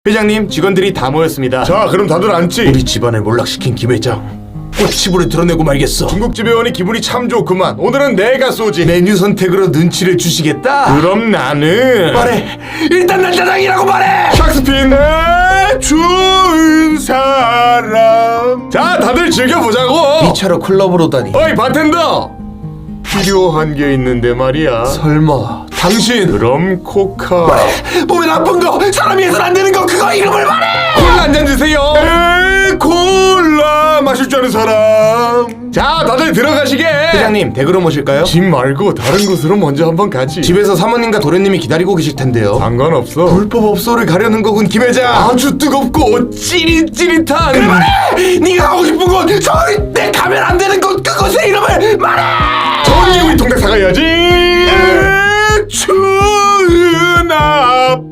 회장님, 직원들이 다 모였습니다. 자, 그럼 다들 앉지. 우리 집안을 몰락시킨 김 회장, 꼬치불을 드러내고 말겠어. 중국집 회원이 기분이 참 좋구만. 오늘은 내가 쏘지. 메뉴 선택으로 눈치를 주시겠다? 그럼 나는 말해! 일단 난 짜장이라고 말해! 샥스핀 내 좋은 사람. 자, 다들 즐겨보자고. 2차로 클럽으로 다니. 어이 바텐더, 필요한 게 있는데 말이야. 설마 당신 그럼 코카. 몸에 나쁜 거, 사람이 해선 안 되는 거, 그거 이름을 말해! 콜라 한 잔 주세요. 콜라 마실 줄 아는 사람. 자, 다들 들어가시게. 회장님, 댁으로 모실까요? 집 말고 다른 곳으로 먼저 한번 가지. 집에서 사모님과 도련님이 기다리고 계실 텐데요. 상관없어. 불법 업소를 가려는 거군, 김 회장. 아주 뜨겁고 찌릿찌릿한. 그래 말해! 네가 가고 싶은 곳, 절대 가면 안 되는 곳, 그곳의 이름을 말해! 전기 우리 통닭 사가야지. 추운 앞